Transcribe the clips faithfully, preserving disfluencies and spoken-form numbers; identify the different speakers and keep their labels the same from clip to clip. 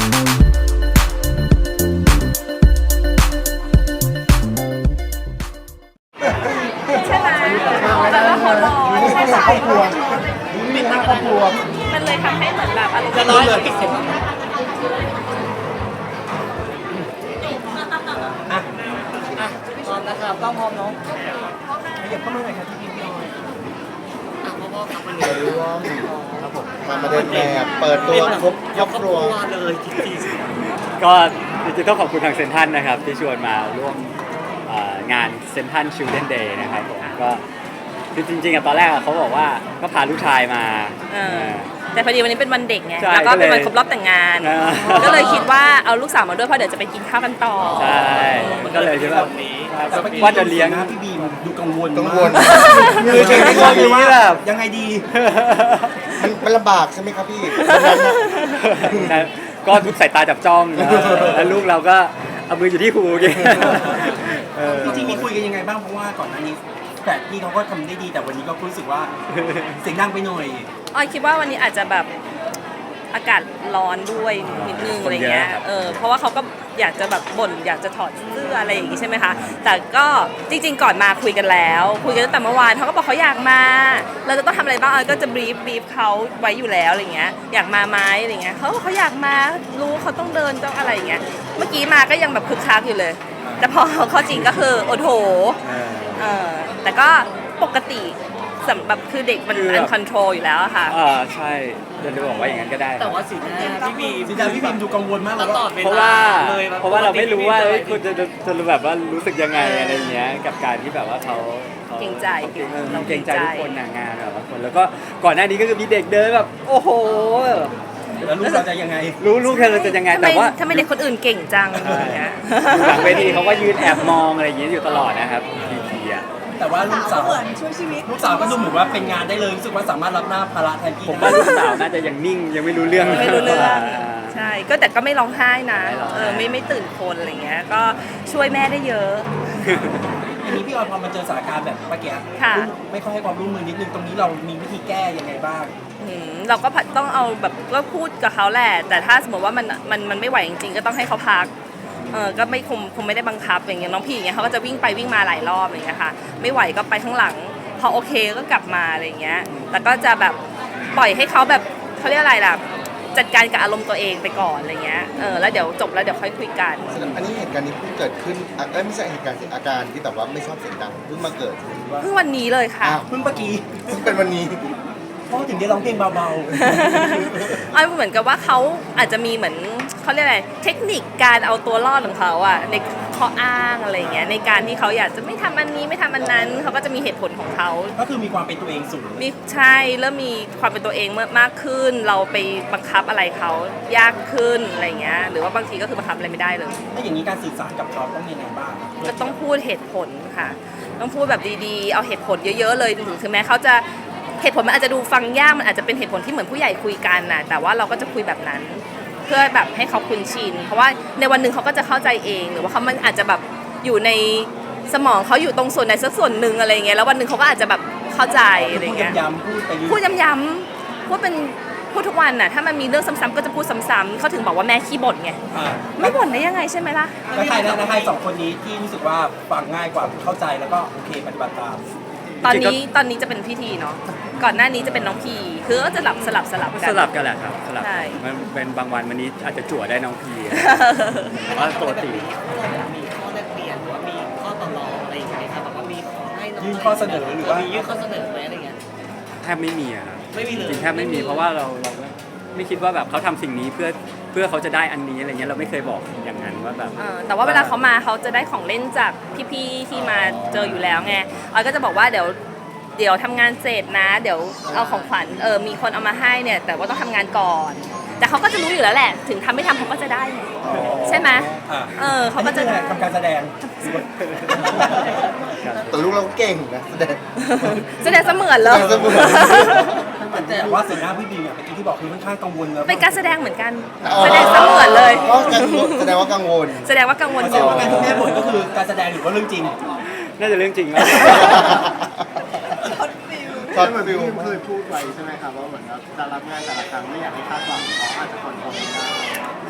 Speaker 1: ใช่ไหมแต่ว่าเขารอใช่ใช่ครอบครัวปิดหน้าครอบครัวมันเลยทำให้เหมือนแบบอารมณ์จะน้อยเลยปิดเสร็จ
Speaker 2: อ่ะอ่ะพร้อมนะครับต้องพร้อมเนาะขยับเข้ามาหน่อยครับพี่พี่ออยอ่ะพ่อๆครับวันนี้ครับผม
Speaker 3: มาเดินแบบเปิดตัวครบครอบครัว
Speaker 2: เลยจริง
Speaker 4: ๆก็จริงๆต้องขอบคุณทางเซ็นทรัลนะครับที่ชวนมาร่วมงานเซ็นทรัลชิลเดนเดย์นะครับผมก็คือจริงๆอะตอนแรกเขาบอกว่าก็พาลูกชายมา
Speaker 1: แต่พอดีวันนี้เป็นวันเด็กไงแล้วก็เป็นวันครบรอบแต่งงานก็เลยคิดว่าเอาลูกสาวมาด้วยเพราะเดี๋ยวจะไปกินข้าวกันต่อ
Speaker 4: ใช่ก็เลยคิดว่าว่าจะเลี้ยง
Speaker 2: พี่บีมดูกังวล
Speaker 3: กังวล
Speaker 4: คือถึงกังวลนี้แบบ
Speaker 2: ยังไงดี
Speaker 3: มันมันลำบากใช่ไหมครับพี่
Speaker 4: ก็ทุกสายตาจับจ้องแล้วลูกเราก็เอามืออยู่ที่หูกิน
Speaker 2: จริงๆมีคุยกันยังไงบ้างเพราะว่าก่อนหน้านี้แต่พี่เขาก็ทำได้ดีแต่วันนี้ก็รู้สึกว่าเสียงดังไปหน่อย
Speaker 1: ออยคิดว่าวันนี้อาจจะแบบอากาศร้อนด้วยนิดนึงอะไรเงี้ยเออเพราะว่าเขาก็อยากจะแบบบ่นอยากจะถอดเสื้ออะไรอย่างงี้ใช่ไหมคะแต่ก็จริงๆก่อนมาคุยกันแล้วคุยกันตั้งแต่เมื่อวานเขาก็บอกเขาอยากมาเราจะต้องทำอะไรบ้างออยก็จะบรีฟบรีฟเขาไว้อยู่แล้วอะไรเงี้ยอยากมาไหมอะไรเงี้ยเขาบอกเขาอยากมารู้เขาต้องเดินต้องอะไรอย่างเงี้ยเมื่อกี้มาก็ยังแบบคึกคักอยู่เลยแต่พอเข้าจริงก็คือโอ้โหเออแต่ก็ปกติสำหรับคือเด็กมันอันคอนโทรลอยู่แล้วค่ะ
Speaker 4: อ่าใช่จะบอกว่าอย่างนั้นก็ได้
Speaker 2: แต่ว่าสีหน้าพี่บีสีหน้าพี่บีมดูกังวลมากเลย
Speaker 4: เพราะว่าเพราะว่าเราไม่รู้ว่าคุณจะจะแบบว่ารู้สึกยังไงอะไรเงี้ยกับการที่แบบว่าเขา
Speaker 1: เกรงใจ
Speaker 4: เราเกรงใจทุกคนงานแบบคนแล้วก็ก่อนหน้านี้ก็คือมีเด็กเดินแบบโอ้โห
Speaker 2: แล้วลูกเราจะยังไง
Speaker 4: รู้ลูกเราจะยังไง
Speaker 1: แต่ว่าถ้าไม่เด็กคนอื่นเก่งจังอย่างเงี้ย
Speaker 4: หลังเวทีเขาก็ยืนแอบมองอะไรอย่างเงี้ยอยู่ตลอดนะครับทีทีอ่ะ
Speaker 2: แต่ว่าลูกสาวเหมือนช่วยชีวิตลูกสาวก็ดูเหมือนว่าเป็นงานได้เลยรู้สึกว่าสามารถรับหน้าภาระแทนพี่
Speaker 4: ผมว่าลูกสาวน่าจะยังนิ่งยังไม่รู้เรื่อง
Speaker 1: ไม่รู้เรื่องใช่ก็แต่ก็ไม่ร้องไห้นะเออไม่ไม่ตื่นคนอะไรเงี้ยก็ช่วยแม่ได้เยอะ
Speaker 2: อันนี้พี่ออยพอมาเจอสถานการณ์แบบเมื่อกี้ไม่ค่อยให้ความร่วมมือนิดนึงตรงนี้เรามีวิธีแก้ยังไงบ้าง
Speaker 1: เราก็ต้องเอาแบบก็พูดกับเขาแหละแต่ถ้าสมมติว่ามันมันมันไม่ไหวจริงๆก็ต้องให้เขาพักเออก็ไม่คงคงไม่ได้บังคับอย่างเงี้ยน้องพี่อย่างเงี้ยเขาก็จะวิ่งไปวิ่งมาหลายรอบอย่างเงี้ยค่ะไม่ไหวก็ไปข้างหลังพอโอเคก็กลับมาอะไรเงี้ยแต่ก็จะแบบปล่อยให้เขาแบบเขาเรียกอะไรล่ะจัดการกับอารมณ์ตัวเองไปก่อนอะไรเงี้ยเออแล้วเดี๋ยวจบแล้วเดี๋ยวค่อยคุยกัน
Speaker 3: อันนี้เหตุการณ์นี้เพิ่งเกิดขึ้นอ่ะไม่ใช่เหตุการณ์อาการที่แบบว่าไม่ชอบเสียงดังเพิ่งมาเกิด
Speaker 1: เพิ่งวันนี้เลยค่ะ
Speaker 2: เพิ่งเมื่อกี้
Speaker 3: เพิ่งเป็นวันนี้
Speaker 2: พ่อถึงได้ร้องเพลงเบา
Speaker 1: ๆอ้เหมือนกับว่าเขาอาจจะมีเหมือนเขาเรียกอะไรเทคนิคการเอาตัวรอดของเขาอะในข้ออ้างอะไรเงี้ยในการที่เขาอยากจะไม่ทำอันนี้ไม่ทำอันนั้นเขาก็จะมีเหตุผลของเขา
Speaker 2: ก็คือมีความเป็นตัวเองสูง
Speaker 1: มีใช่เริ่มมีความเป็นตัวเองมากขึ้นเราไปบังคับอะไรเขายากขึ้นอะไรเงี้ยหรือว่าบางทีก็คือบังคับอะไรไม่ได้เลย
Speaker 2: ถ้าอย่างนี้การสื่อสารกับเขาต้องยังไงบ้าง
Speaker 1: จะต้องพูดเหตุผลค่ะต้องพูดแบบดีๆเอาเหตุผลเยอะๆเลยถึงแม้เขาจะเหตุผลมันอาจจะดูฟังยากมันอาจจะเป็นเหตุผลที่เหมือนผู้ใหญ่คุยกันนะแต่ว่าเราก็จะคุยแบบนั้นเพื่อแบบให้เขาคุ้นชินเพราะว่าในวันหนึ่งเขาก็จะเข้าใจเองหรือว่าเขามันอาจจะแบบอยู่ในสมองเขาอยู่ตรงส่วนใดสักส่วนหนึ่งอะไรเงี้ยแล้ววันหนึ่งเขาก็อาจจะแบบเข้าใจอะไรเงี้ยพูดย้ำๆพูดเป็นพูดทุกวันน่ะถ้ามันมีเรื่องซ้ำๆก็จะพูดซ้ำๆเขาถึงบอกว่าแม่ขี้บ่นไงไม่บ่นได้ยังไงใช่ไหมล่ะ
Speaker 2: แล้วใครแล้วใครสองคนนี้ที่รู้สึกว่าฟังง่ายกว่าเข้าใจแล้วก็โอเคปฏิบัติตาม
Speaker 1: ตอนนี้ตอนนี้จะเป็นพิธีเนาะก่อนหน้านี้จะเป็นน้องพีคือก็จะหลับสลับสลับกัน
Speaker 4: สลับกันแหละครับสลับมันเป็นบางวันวันนี้อาจจะจั่วได้น้องพีว่าปกติ
Speaker 2: มีข้อแลกเปลี่ยนหรือว่ามีข้อต่อรองอะไรอย่างเงี้ยครับแบบว่ามีขอให้ยื่นข้อเสนอหรือว่ามียื่นข้อเสนอไหมอะไรเงี้ย
Speaker 4: แทบไม่มีอะครับ
Speaker 2: ไม่มีเลย
Speaker 4: จริงแทบไม่มีเพราะว่าเราเราไม่คิดว่าแบบเขาทำสิ่งนี้เพื่อเพื่อเขาจะได้อันนี้อะไรเงี้ยเราไม่เคยบอกอย่างนั้นว่าแบบ
Speaker 1: แต่ว่าเวลาเขามาเขาจะได้ของเล่นจากพี่ๆที่มาเจออยู่แล้วไงออยก็จะบอกว่าเดี๋ยวเดี๋ยวทำงานเสร็จนะเดี๋ยวเอาของขวัญเออมีคนเอามาให้เนี่ยแต่ว่าต้องทำงานก่อนแต่เขาก็จะรู้อยู่แล้วแหละถึงทำไม่ทำเขาก็จะได้ใช่ไหมเออเขาก็จะ
Speaker 2: ทำการแสดง
Speaker 3: แต่ลูกเราเก่งนะแสดง
Speaker 1: แสดงเสมือนเลย
Speaker 2: แต่ว่าสีหน้าพี่บีเนี่ยเมื่อกี้ที่บอกคือค่อนข้างกังวลแล้ว
Speaker 1: เป็นการแสดงเหมือนกันแสดงเสมือนเลย
Speaker 3: แสดงว่ากังวล
Speaker 1: แสดงว่ากังวล
Speaker 2: อยู่การที่แม่บ่นก็คือการแสดงหรือว่าเรื่องจริง
Speaker 4: น่าจะเรื่องจริงนะ
Speaker 3: ช็อตฟิล
Speaker 5: เคยพูดไว้ใช่ไหมครับว่าเหมือนจะรับงานแต่ละครั้งไม่อยากให้คาดหวังเขาอาจจะคอนโทรลไม่ได้
Speaker 1: ใช่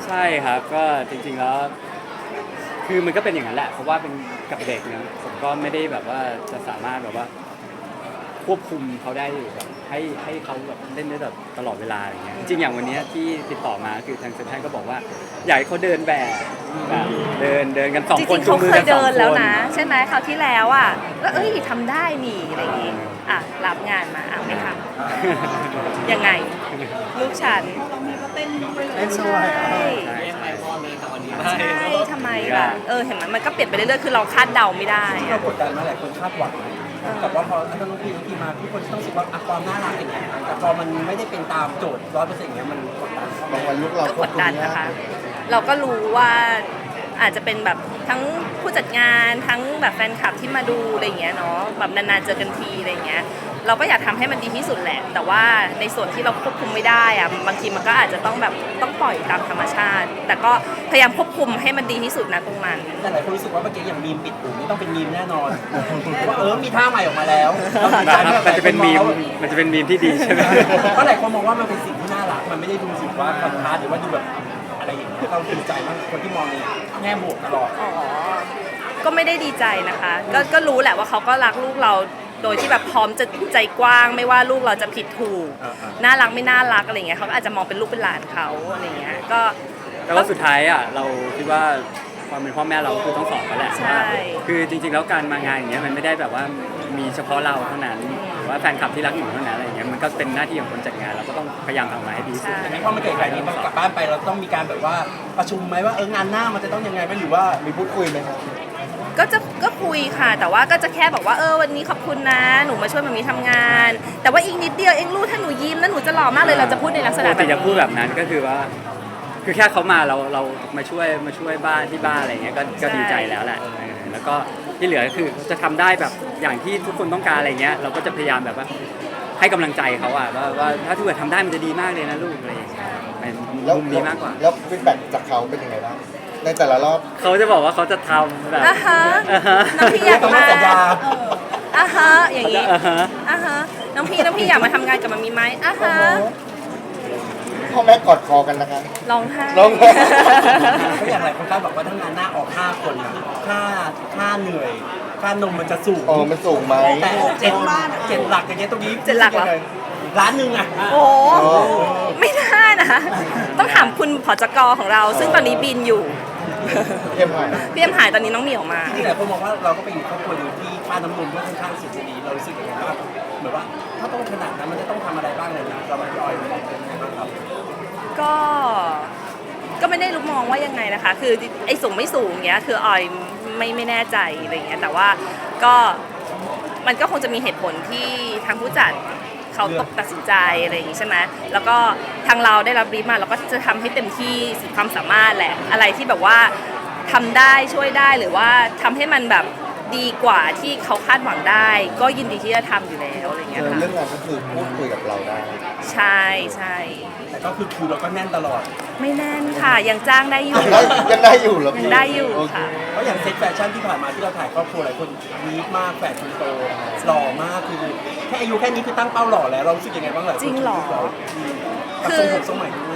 Speaker 4: ใช่ครับก็จริงๆแล้วคือมันก็เป็นอย่างนั้นแหละเพราะว่าเป็นกับเด็กนะผมก็ไม่ได้แบบว่าจะสามารถแบบว่าควบคุมเขาได้แบบให้ให้เขาแบบเล่นได้แบบตลอดเวลาอย่างเงี้ยจริงๆอย่างวันเนี้ยที่ติดต่อมาคือทางเซ็นทรัลก็บอกว่าอยากให้เขาเดินแบบแบบเดินเดินกันสอง
Speaker 1: จ
Speaker 4: คน
Speaker 1: ริงๆ
Speaker 4: จู
Speaker 1: เขา
Speaker 4: งมือ
Speaker 1: เค
Speaker 4: กั
Speaker 1: ย
Speaker 4: นสอ
Speaker 1: เดิ
Speaker 4: ง
Speaker 1: น
Speaker 4: ค
Speaker 1: แล้ว
Speaker 4: น
Speaker 1: นะ ใช่ไหมคราวที่แล้วอ่ะแล้วเอ้ยทำได้นี่อะไรอย่างงี้อ่ะรับงานมาอ่ะไม่ทำยังไง ลูกฉัน
Speaker 2: เต้น
Speaker 1: ใช่
Speaker 2: ด้วย
Speaker 1: ใช่
Speaker 2: เรียกไมค์พ่อเลยแต่วันนี้
Speaker 1: ใช่ทำไมแบบเออเห็นไหมมันก็เปลี่ยนไปเรื่อยๆคือเราคาดเดาไม่ได้
Speaker 2: ที่
Speaker 1: อะ
Speaker 2: เรากดดันมาหลายคนคาดหวังกับว่าพอถ้าน้องพี่น้องพี่มาทุกคนต้องรู้สึกว่าอ่ะความน่ารักอย่างเงี้ยแต่พอมันไม่ได้เป็นตามโจทย์ร้อยเปอร์เซ็นต์อย่างเงี้ยมันกดดันเข้า
Speaker 3: บาง
Speaker 2: มา
Speaker 3: วันลูกเรา
Speaker 1: ก็
Speaker 3: คว
Speaker 1: ก
Speaker 3: บ
Speaker 1: ด
Speaker 3: คุม
Speaker 1: ดัน
Speaker 3: ยาก
Speaker 1: นะคะ เราก็รู้ว่าอาจจะเป็นแบบทั้งผู้จัดงานทั้งแบบแฟนคลับที่มาดูอะไรอย่างเงี้ยเนาะแบบนานๆเจอกันทีอะไรอย่างเงี้ยเราก็อยากทำให้มันดีที่สุดแหละ แต่ว่าในส่วนที่เราควบคุมไม่ได้อะบางทีมันก็อาจจะต้องแบบต้องปล่อยตามธรรมชาติ แต่ก็พยายามควบคุมให้มันดีที่สุดนะตรงนั้น
Speaker 2: แต่หลายคนรู้สึกว่าเมื่อกี้อย่างมีมปิดหูนี่ต้องเป็นมีมแน่นอนว่าเออมีท่าใหม่ออกมาแล้ว
Speaker 4: มันจะเป็นมีมมันจะเป็นมีมที่ดีใช่ไหม
Speaker 2: เพราะหลายคนมองว่ามันเป็นสิ่งที่น่ารักมันไม่ได้ดูสึกว่าคอนทราสต์หรือว่าดูแบบอะไรอย่างเงี้ยเราดีใจมากคนที่มองในแง่บวกตลอด
Speaker 1: อ๋อ ก็ไม่ได้ดีใจนะคะ ก็ก็รู้แหละว่าเขาก็รักลูกเราโดยที่แบบพร้อมจะใจกว้างไม่ว่าลูกเราจะผิดถูก
Speaker 2: อ่า
Speaker 1: น่ารักไม่น่ารักอะไรเงี้ยเขาก็อาจจะมองเป็นลูกเป็นหลานเขาอะไรเงี้ย ก็
Speaker 4: แต่ว่าสุดท้ายอ่ะเราคิดว่าความเป็นพ่อแม่เราคือต้องสอนเขาแหละ
Speaker 1: ใช่
Speaker 4: ว่าคือจริงๆแล้วการมางานอย่างเงี้ยมันไม่ได้แบบว่ามีเฉพาะเราเท่านั้นหรือว่าแฟนคลับที่รักหนูเท่านั้นอะไรอย่างเงี้ยมันก็เป็นหน้าที่ของคนจัดงานเราก็ต้องพยายามทำออกมาให้ดีที่สุด
Speaker 1: ใช่
Speaker 2: แต่ในพอมันเกิดแบบนี้มันกลับบ้านไปเราต้องมีการแบบว่าประชุมไหมว่าเอองานหน้ามันจะต้องยังไงไหมหรือว่า
Speaker 3: มีพูดคุยไหมครับ
Speaker 1: ก็จะก็คุยค่ะ แต่ว่าก็จะแค่บอกว่าเออวันนี้ขอบคุณนะ หนูมาช่วยมามีทำงาน แต่ว่าอีกนิดเดียวเองลูกถ้าหนูยิ้มแล้วหนูจะหล่อมากเลยเราจะพูดในลักษณะ
Speaker 4: ป
Speaker 1: แบ
Speaker 4: ก
Speaker 1: บ
Speaker 4: ติ
Speaker 1: นี้
Speaker 4: จะพูดแบบนั้นก็คือว่า คือแค่เขามาเราเรามาช่วยมาช่วยบ้านที่บ้านอะไรเงี้ยก็ก็ดีใจแล้วแหละเออแล้วก็ที่เหลือก็คือจะทำได้แบบอย่างที่ทุกคนต้องการอะไรเงี้ยเราก็จะพยายามแบบว่าให้กำลังใจเขาอะว่าว่าถ้าทุกคนทำได้มันจะดีมากเลยนะลูกอะไรอย่างเงี้ยเป็น
Speaker 3: แล้ว
Speaker 4: มุมนี้มากกว่า
Speaker 3: แล้วฟีดแบ็กจากเขาเป็นยังไงบ้างในแต่ละรอบ
Speaker 4: เขาจะบอกว่าเขาจะทำแบบ
Speaker 1: อ่ะฮะ
Speaker 4: อ่าฮะ
Speaker 1: น้องพี่อยาก
Speaker 2: ต้อง
Speaker 1: มา
Speaker 2: สัญญา
Speaker 1: อ่ะฮะอย่างนี้
Speaker 4: อ่าฮะ
Speaker 1: อ่ะฮะน้องพี่น้องพี่อยากมาทำงานกับมันมีไหมอ่ะฮะ
Speaker 3: พ่อแม่กอดคอกันนะคะ
Speaker 1: ร้องไห้
Speaker 3: ร้องไห้
Speaker 2: ก็อย่างไรคนคาดบอกว่าถ้างานหน้าออกห้าคนอะค่าค่าเหนื่อยค่านมมันจะสูง
Speaker 3: เออมันสูงไหม
Speaker 2: แต่เจ็ดเจ็ดหลักอย่างเงี้ยตรงนี้
Speaker 1: เจ็ดหลักเหรอ
Speaker 2: ร้านหนึ่งอะ
Speaker 1: โอ้ไม่ได้นะ ต้องถามคุณผอจกของเรา ซึ่งตอนนี้บินอยู่
Speaker 3: เยี่ยมมาก
Speaker 1: พี่เอ็มหายตอนนี้น้องเหมียวมา
Speaker 2: ที่หลายคนมองว่าเราก็เป็นครอบครัวหนึ่งที่ค่าน้ำนมก็ค่อนข้างสูงดีเรารู้สึกยังไงบ้างเหมือนว่าถ้าต้องขนาดนั้นมันจะต้องทำอะไรบ้างเลยนะเราพี่ออยเป็นยังไงบ้างครับ
Speaker 1: ก็ ก็ไม่ได้รู้มองว่ายังไงนะคะ คือไอ้สูงไม่สูงเงี้ย คือออยไม่ไม่แน่ใจอะไรเงี้ย แต่ว่าก็มันก็คงจะมีเหตุผลที่ทางผู้จัดเขาตกตัดสินใจอะไรอย่างงี้ใช่ไหมแล้วก็ทางเราได้รับบรีฟมาเราก็จะทำให้เต็มที่สุดความสามารถแหละ อะไรที่แบบว่าทำได้ช่วยได้หรือว่าทำให้มันแบบดีกว่าที่เขาคาดหวังได้ ก็ยินดีที่จะทำอยู่แล้วอะไรเงี้ย
Speaker 3: เออ
Speaker 1: ค่ะ
Speaker 3: เรื่องงานก็คือพูดคุยกับเราได้
Speaker 1: ใช่ใช่
Speaker 2: แต่ก็คือคิวเราก็แน่นตลอด
Speaker 1: ไม่แน่นค่ะ ยังจ้างได้อยู่
Speaker 3: ยังได้ยังได้อยู่เหรอ
Speaker 1: ยั
Speaker 3: พี่
Speaker 1: งได้อยู่
Speaker 3: โเ
Speaker 1: ค่ะ
Speaker 2: เพราะอย่างเซ็ตแฟชั่นที่ผ่านมาที่เราถ่ายครอบครัวหลายคนวีคมากแฝดคนโตหล่อมากคือแค่อายุแค่นี้คือตั้งเป้าหล่อแล้วเรารู้สึกยังไงบ้างหลายคน
Speaker 1: จริงเหรอ
Speaker 2: กับทรงผมทรงใหม่ด้วย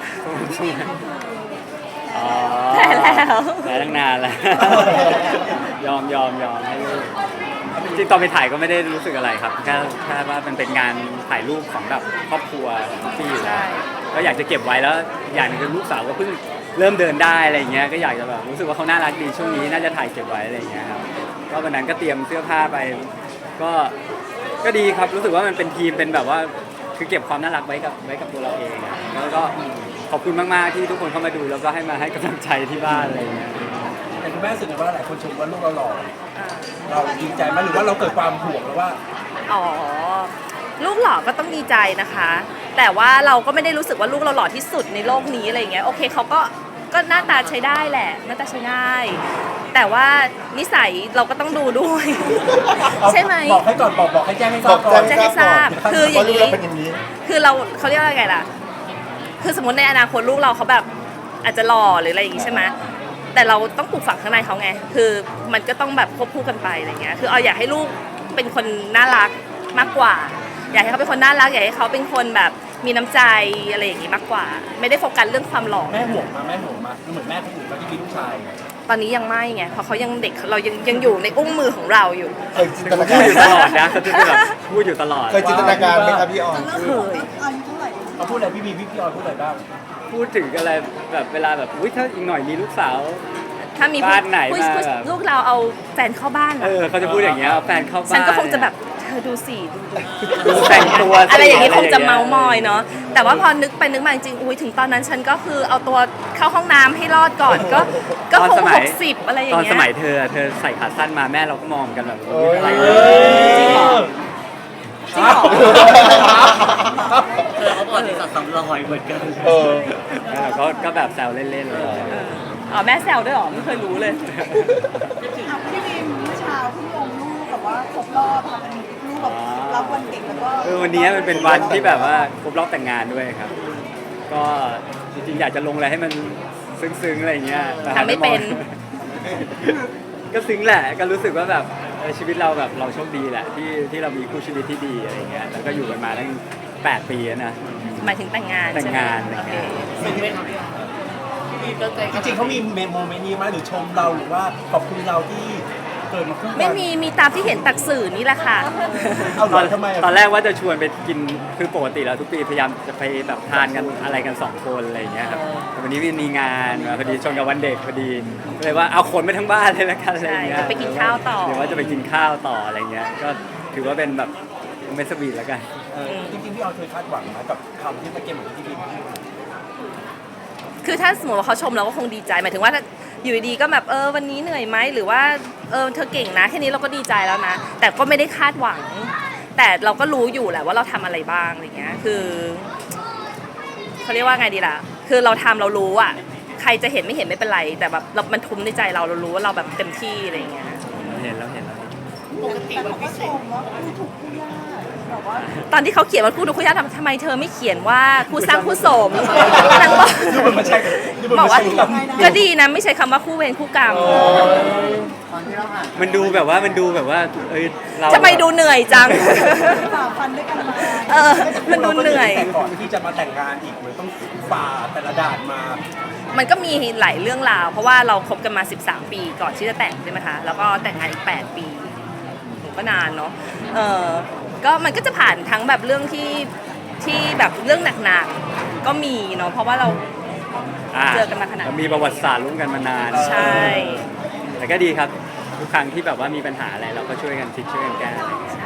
Speaker 4: อ๋อ
Speaker 1: แพ้แล้ว
Speaker 4: แพ้ตั้งนานแล้ว ยอมยอมยอมให้ลูกจริงๆตอนไปถ่ายก็ไม่ได้รู้สึกอะไรครับแค่แค่ว่ามันเป็นงานถ่ายรูปของแบบครอบครัวที่อยู่แล้วก็อยากจะเก็บไว้แล้วอย่างหนึงคือลูกสาวก็เพิ่งเริ่มเดินได้อะไรอย่างเงี้ยก็อยากจะแบบรู้สึกว่าเขาน่ารักดีช่วงนี้น่าจะถ่ายเก็บไว้อะไรอย่างเงี้ยครับก็วันนั้นก็เตรียมเสื้อผ้าไป ก็ก็ดีครับรู้สึกว่ามันเป็นทีมเป็นแบบว่าคือเก็บความน่ารักไว้กับไว้กับตัวเราเองอะแล้วก็ขอบคุณมากๆที่ทุกคนเข้ามาดูแล้วก็ให้มาให้กำลังใจที่บ้านอะไรอย่างเงี้ย
Speaker 2: แต่คุณแม่รู้สึกไงว่าหลายคนชมว่าลูกเราหล่อ
Speaker 1: อ่า
Speaker 2: เราดีใจไหมหรือว่าเราเกิดความห่วงหรือว่า
Speaker 1: อ๋อ ลูกหล่อก็ต้องดีใจนะคะ แต่ว่าเราก็ไม่ได้รู้สึกว่าลูกเราหล่อที่สุดในโลกนี้อะไรอย่างเงี้ย โอเคเขาก็ก็หน้าตาใช้ได้แหละ หน้าตาใช้ได้ แต่ว่านิสัยเราก็ต้องดูด้วย ใช่ไหม
Speaker 2: บอกให้ก่อนบอกบอกให้แจ้งให้ทราบก่อน
Speaker 1: แจ้งให้ทราบคืออย่างนี้
Speaker 3: นี้เราเป็นอย่างนี้
Speaker 1: คือเราเขาเรียกว่าไงล่ะ คือสมมติในอนาคตลูกเราเขาแบบอาจจะหล่อหรืออะไรอย่างงี้ใช่ไหมแต่เราต้องปลูกฝังข้างในเขาไง คือมันก็ต้องแบบควบคู่กันไปอะไรเงี้ย คือเอาอยากให้ลูกเป็นคนน่ารักมากกว่า อยากให้เขาเป็นคนน่ารัก อยากให้เขาเป็นคนแบบมีน้ำใจอะไรอย่างงี้มากกว่า ไม่ได้โฟกัสเรื่องความหล่อ
Speaker 2: แม่ห่วงมาแม่ห่วงมาเหมือนแม่คนอื่นเขาที่มีลูกชาย
Speaker 1: ตอนนี้ยังไม่ไงเพราะเขายังเด็กเรายังยังอยู่ในอุ้งมือของเราอยู่
Speaker 3: เคยจินต
Speaker 4: เขา
Speaker 3: นา
Speaker 4: พู
Speaker 3: กา
Speaker 4: ด
Speaker 3: ร
Speaker 4: อยู่ตลอดนะเขาจะแบบพูดอยู่ตลอด
Speaker 3: เคยจินตนาการไหมครับพี่ออย
Speaker 1: เคย
Speaker 2: เขาพูดอะไรพี่บีพี่พี่ออยพูดอะไรบ้าง
Speaker 4: พูดถึงอะไรแบบเวลาแบบอุ้ยถ้าอีกหน่อยมีลูกสาว
Speaker 1: ถ้ามี
Speaker 4: บ้านไหน
Speaker 1: ผู้
Speaker 4: มา
Speaker 1: ผู้
Speaker 4: แบบ
Speaker 1: ลูกเราเอาแฟนเข้าบ้าน
Speaker 4: เอ
Speaker 1: อะ
Speaker 4: อเขาจะพูดอย่างเงี้ยเอาแฟนเข้าบ้าน
Speaker 1: ฉันก็คงจะแบบเธอดูสิดูดู
Speaker 4: ดูแต่งตัวสิ
Speaker 1: อะไรอย่างนี้คงจะ
Speaker 4: อะไรอย่างเงี้ย
Speaker 1: เมามอยเนาะแต่ว่าพอนึกไปนึกมาจริงๆอุ้ยถึงตอนนั้นฉันก็คือเอาตัวเข้าห้องน้ำให้รอดก่อนก็ก็
Speaker 4: ตอน
Speaker 1: คง
Speaker 4: สมั
Speaker 1: ห
Speaker 4: ย
Speaker 1: กสิบอะไรอย่า
Speaker 4: ต
Speaker 1: ง
Speaker 4: อน
Speaker 1: เงี้
Speaker 4: ส
Speaker 1: ย
Speaker 4: มัยเธอเธอใส่ขาสั้นมาแม่เราก็มองกันแบบ
Speaker 3: เอ้ย
Speaker 4: อะไร
Speaker 2: เอ
Speaker 1: จริงเหรอ
Speaker 2: อ
Speaker 1: จริงเหรอ
Speaker 2: เออเขาบอกที่สัตว์สำรอยเหมือนกัน
Speaker 3: เออ
Speaker 4: แล้วเราก็ก็แบบแซวเล่นๆเลย
Speaker 1: เอออ๋อแม่แซวด้วยเหรอไม่เคยรู้เลย
Speaker 5: อ่ะพี่บีมเมื่อเช้าเพิ่งลงรูปแบบว่าครบรอบค่ะเป็นรูปแบบรับวันเด็กแล้วก็
Speaker 4: เออวันนี้มันเป็นวันที่แบบว่าครบรอบแต่งงานด้วยครับ ก็จริงๆอยากจะลงอะไรให้มันซึ้งๆอะไรอย่างเงี้ยแต่หา
Speaker 1: ทำไม่เป็น
Speaker 4: ก็ซึ้งแหละก็รู้สึกว่าแบบเออชีวิตเราแบบเราโชคดีแหละที่ที่เรามีคู่ชีวิตที่ดีอะไรอย่างเงี้ยแล้วก็อยู่กันมาตั้งแปดปีแล้วนะ
Speaker 1: หมายถึงแต่งงาน
Speaker 4: แต่ง
Speaker 1: ใช่ไหม
Speaker 4: งาน
Speaker 1: โอเค
Speaker 2: ซึ้งไหมครับพี่บีตั้งใจจริงๆเขามีโมเมนต์นี้ไหมหรือชมเราหรือว่าขอบคุณเราที่เกิดมาคู่กัน
Speaker 1: ไม่มีมีตามที่เห็นตักสื่อนี่แหละค่ะ
Speaker 2: เอาเหร
Speaker 4: ตอ
Speaker 2: อน ทำไมะ
Speaker 4: ตอนแรกว่าจะชวนไปกินคือปกติแล้วทุกปีพยายามจะไปแบบทานกันอะไรกันสองคนอะไรอย่างเงี้ยครับแต่วันนี้มีงานมาพอดีชนกับวันเด็กพอดีก็เลยว่าเอาคนไปทั้งบ้านเลยละกันอะไรอย่างเงี้ย
Speaker 1: ใช่ไปกินข้าวต่อ
Speaker 4: เดี๋ยวว่าจะไปกินข้าวต่ออะไรเงี้ยก็ถือว่าเป็นแบบเมสบีทแล้วกัน
Speaker 2: เออจริงๆพี่ออยเคยคาดหวังไหมกับคำที่ตะเกียบเหมือนที่พี่บีมพูด
Speaker 1: คือถ้าสมมติว่าเขาชมเราก็คงดีใจหมายถึงว่าถ้าอยู่ดีๆก็แบบเออวันนี้เหนื่อยไหมหรือว่าเออเธอเก่งนะแค่นี้เราก็ดีใจแล้วนะ แต่ก็ไม่ได้คาดหวัง แต่เราก็รู้อยู่แหละว่าเราทำอะไรบ้างอะไรเงี้ยคือเขาเรียกว่าไงดีล่ะ คือเราทำเรารู้อ่ะใครจะเห็นไม่เห็นไม่เป็นไร แต่แบบเรามันทุ้มในใจเราเรารู้ว่าเราแบบเต็มที่อะไรเงี้ย
Speaker 4: เห็นแล้วเห็นแล้ว
Speaker 5: ปกติมันพิเศษว่าคู่ถูกคู่ยากแบบว่า
Speaker 1: ตอนที่เขาเขียนว่าคู่ดูคู่ยากทำทำไมเธอไม่เขียนว่าคู่สร้างคู่สมนางบอก
Speaker 2: ดูมันไม่ใช่ดูมัน
Speaker 1: บอก
Speaker 2: ไม่
Speaker 1: ว่า
Speaker 2: ใช่กับ
Speaker 1: ก็ดีนะไม่ใช้คำว่าคู่เวรคู่กรรม
Speaker 4: มันดูแบบว่ามันดูแบบว่าเอ้ยเรา
Speaker 1: ทำไมดูเหนื่อยจัง
Speaker 5: ฝ่าฟันด้วยกันมา
Speaker 1: เออ มันดูเหนื่อย
Speaker 2: แต่ก่อนที่จะมาแต่งงานอีกมันต้องฝ่าแต่ละด่านมา
Speaker 1: มันก็มีหลายเรื่องราว เพราะว่าเราคบกันมา สิบสาม ปีก่อนที่จะแต่งใช่ไหมคะ แล้วก็แต่งงานอีก แปด ปีก็นานเนาะ เออก็มันก็จะผ่านทั้งแบบเรื่องที่ที่แบบเรื่องหนักๆ ก็มีเนาะ เพราะว่าเรา
Speaker 4: อ่า
Speaker 1: เจอกันมาขนาดนี้
Speaker 4: มีประวัติศาสตร์ร่วมกันมานาน
Speaker 1: ใช่
Speaker 4: แต่ก็ดีครับทุกครั้งที่แบบว่ามีปัญหาอะไรเราก็ช่วยกันคิดช่วยกันแก้อะไรอย่างเงี้ย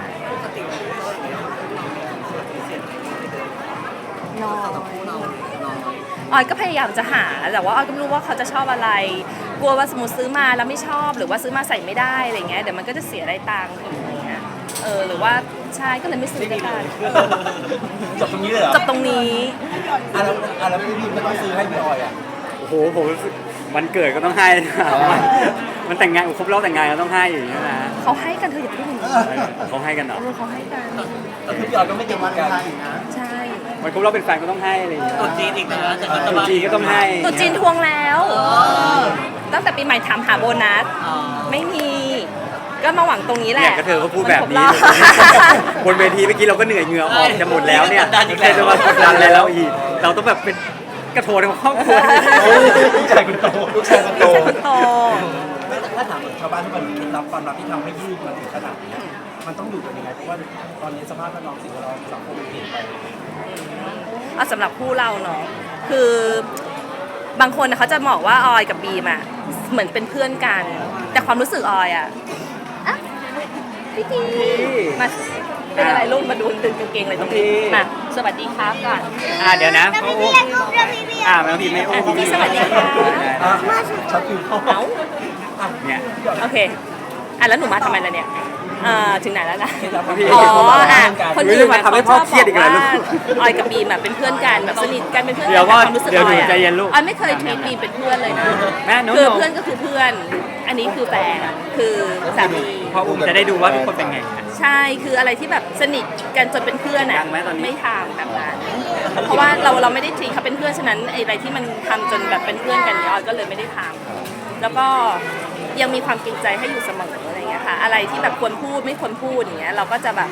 Speaker 1: น้อยออยก็พยายามจะหา แต่ว่าออยก็ไม่รู้ว่าเขาจะชอบอะไร กลัวว่าสมมติซื้อมาแล้วไม่ชอบ หรือว่าซื้อมาใส่ไม่ได้อะไรเงี้ย เดี๋ยวมันก็จะเสียได้ตังค์อีกอะไรเงี้ย เออ หรือว่าใช่ก็เลยไม่ซื้อกัน
Speaker 2: จบตรงนี้เลยเหรอ
Speaker 1: จบตรงนี้
Speaker 2: อ่ะแล้วอ่ะแล้วพี่บีมก็ต้องซื้อให้พี่ออยอ่ะ
Speaker 4: โอ้โหผมรู้สึกวันเกิดก็ต้องให้นะมันแต่งงานครบรอบแต่งงานก็ต้องให้อย่างเงี้ยนะ
Speaker 1: เขาให้กันเธออย่าพูดอย่างนี้
Speaker 4: เขาให้กันเหรอ
Speaker 1: เออเขาให้กัน
Speaker 2: แต่คือพี่ออยก็ไม่เก่งเหมือนกัน
Speaker 1: ใช่
Speaker 4: วันครบรอบเป็นแฟนก็ต้องให้อะไรอย่างเงี้ย
Speaker 2: ตัวจีนอีกนะแต่
Speaker 4: ตรุ๊จีนก็ต้องให้
Speaker 1: ตรุษจีนทวงแล้ว ตั้งแต่ปีใหม่ถามหาโบนัส ไม่มี ก็มาหวังตรงนี้แห
Speaker 4: เนี่
Speaker 1: ละ
Speaker 4: ยก็เธอก็พูดแบบนี้
Speaker 1: มันครบรอบ
Speaker 4: บนเวทีเมื่อกี้เราก็เหนื่อยเหงื่อออกจะหมดแล้วเนี่ยเธอจะมากดดันอะไรเราอีก เราต้องแบบเป็นกระโถนของครอบครัว
Speaker 2: ลูกชายคนโต
Speaker 3: ลูกชายคนโต
Speaker 1: ลูกชายคนโต
Speaker 2: ไม่แต่ถ้าถามเหมือนชาวบ้านทุกคนเคล็ดลับความรักที่ทำให้ยืดมาถึงขนาดนี้มันต้องอยู่กันยังไงเพราะว่าตอนนี้สภาพแวดล้อมสิ่งแวดล้อมสังคมมันเปลี่ยนไป
Speaker 1: เอาสำหรับคู่เราเนาะคือบางคนน่ะเขาจะบอกว่าออยกับบีมอะเหมือนเป็นเพื่อนกัน แต่ความรู้สึกออยอะอะพี่ทีมาเป็นอะไรลูกมาดูตึงกางเกงอะไรตรงนี้มาสวัสดีครับก่อน
Speaker 4: อ่าเดี๋ยวนะโอ้โหอ่าไม่ต้องพิมพ์ไม่โอ้
Speaker 1: พี่ทีสวัสดีค่ะ
Speaker 2: อ่ะชัดฟิวเข้า
Speaker 1: เอ้า
Speaker 2: อ่ะ
Speaker 4: เนี่ย
Speaker 1: โอเคอ่ะแล้วหนูมาทำไมล่ะเนี่ยเอ่อถึงไหนแล้วนะ
Speaker 2: พี่
Speaker 1: อ๋ออ่ะ
Speaker 2: ค
Speaker 1: คน น
Speaker 4: รู้
Speaker 1: อื่
Speaker 4: จะ
Speaker 1: น
Speaker 4: มา
Speaker 1: น่ะ
Speaker 4: ทำให้
Speaker 1: เขา
Speaker 4: พ่
Speaker 1: ช
Speaker 4: อ
Speaker 1: อบ
Speaker 4: เครี
Speaker 1: บ
Speaker 4: ยด
Speaker 1: อก
Speaker 4: อีกแล้ว
Speaker 1: ว่า
Speaker 4: ลูก
Speaker 1: ออยกับบีมอะเป็นเพื่อนกันแบบสนิทกันเป็นเพื่อน
Speaker 4: เดี๋
Speaker 1: กั
Speaker 4: ย
Speaker 1: น
Speaker 4: ว
Speaker 1: แต่
Speaker 4: ก่อน
Speaker 1: ความรู้สึก
Speaker 4: เดี๋ยว
Speaker 1: อ
Speaker 4: หนู
Speaker 1: อยอะ
Speaker 4: ใจเย็นลูก
Speaker 1: ออยไม่เคยทีบีมเป็นเพื่อนเลยนะ
Speaker 4: แม่หนู
Speaker 1: คือเพื่อนก็คือเพื่อน อันนี้คือแฟนคือสามี
Speaker 4: พออุ้มจะได้ดูว่าทุกคนเป็นไง
Speaker 1: ใช่คืออะไรที่แบบสนิทกันจนเป็นเพื่อน
Speaker 4: ดั
Speaker 1: อะ
Speaker 4: งไหมตอนนี้
Speaker 1: ไม่ทำแบบนั้นเพราะว่าเราเราไม่ได้ทีเขาเป็นเพื่อนฉะนั้นไอ้อะไรที่มันทำจนแบบเป็นเพื่อนกันเนี่ยออยก็เลยไม่ได้ทำแล้วก็ยังมีความเกรงใจให้อยู่เสมออะไรอย่างเงี้ยค่ะอะไรที่แบบควรพูดไม่ควรพูดอย่างเงี้ยเราก็จะแบบ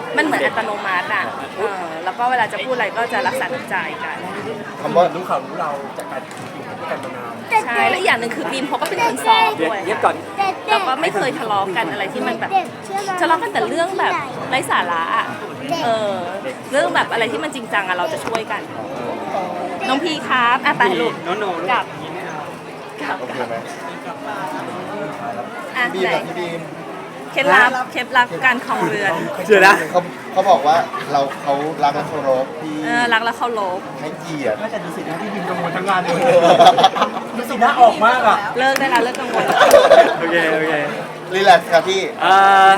Speaker 1: มันเหมือนอัตโนมัติอ่ะเออแล้วก็เวลาจะพูดอะไรก็จะรักษาน้ำใจกัน
Speaker 3: คำว่า
Speaker 2: รู้ข่าวรู้เราจากการอยู่ด้วยกันมานาน
Speaker 1: ใช่และอีกอย่างหนึ่งคือบีมเขาก็เป็นคนซอฟต์
Speaker 4: เย็บ
Speaker 1: ด้วย
Speaker 4: เย็บก่อน
Speaker 1: แล้วก็ไม่เคยทะเลาะกันอะไรที่มันแบบทะเลาะกันแต่เรื่องแบบไร้สาระอะเออเรื่องแบบอะไรที่มันจริงจังอะเราจะช่วยกัน น้องพีครับอ่ะไปลูก
Speaker 4: โนโน
Speaker 1: กลับกลับ
Speaker 3: โอเคไหม
Speaker 1: อ่ะ
Speaker 3: บีม
Speaker 1: ไหน
Speaker 3: กับพี่บีม
Speaker 1: เคล็ดลับเคล็ดลับการครองเรือน
Speaker 4: เชื่อนะ
Speaker 3: เขาเขาบอกว่าเราเขารักและเคารพที่
Speaker 1: เออรักและเคารพ
Speaker 3: ให้เกียรติ
Speaker 2: น่าจะดูสิหน้าที่บินกังวลทั้งงานเลยดูสิหน้าออกมากอ่ะ
Speaker 1: เลิกได้แล้วเลิกกังวลแล้ว
Speaker 4: โอเคโอเค
Speaker 3: รีแลกซ์ครับพี่
Speaker 4: เอ่อ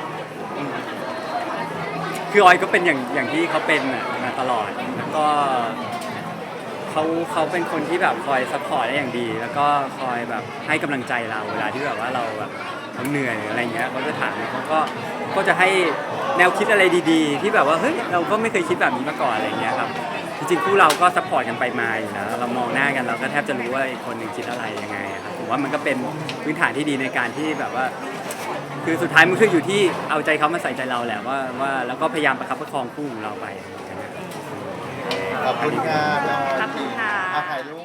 Speaker 4: คือออยก็เป็นอย่างอย่างที่เขาเป็นน่ะมาตลอดแล้วก็เขาเขาเป็นคนที่แบบคอยซัพพอร์ตได้อย่างดี แล้วก็คอยแบบให้กำลังใจเราเวลาที่แบบว่าเราแบบเราเหนื่อยหรืออะไรเงี้ยเขาจะถามเขาก็ก็จะให้แนวคิดอะไรดีๆ ที่แบบว่าเฮ้ยเราก็ไม่เคยคิดแบบนี้มาก่อนอะไรเงี้ยครับจริงๆคู่เราก็ซัพพอร์ตกันไปมาอยู่แล้วเรามองหน้ากันเราก็แทบจะรู้ว่าอีกคนหนึ่งคิดอะไรยังไงครับผมว่ามันก็เป็นพื้นฐานที่ดีในการที่แบบว่า คือสุดท้ายมันคืออยู่ที่เอาใจเขามาใส่ใจเราแหละว่าว่าแล้วก็พยายามประคับประคองคู่ของเราไป
Speaker 3: ขอบคุณครับ
Speaker 1: ขอบคุณค่ะ
Speaker 3: อ่ถ่ายรูป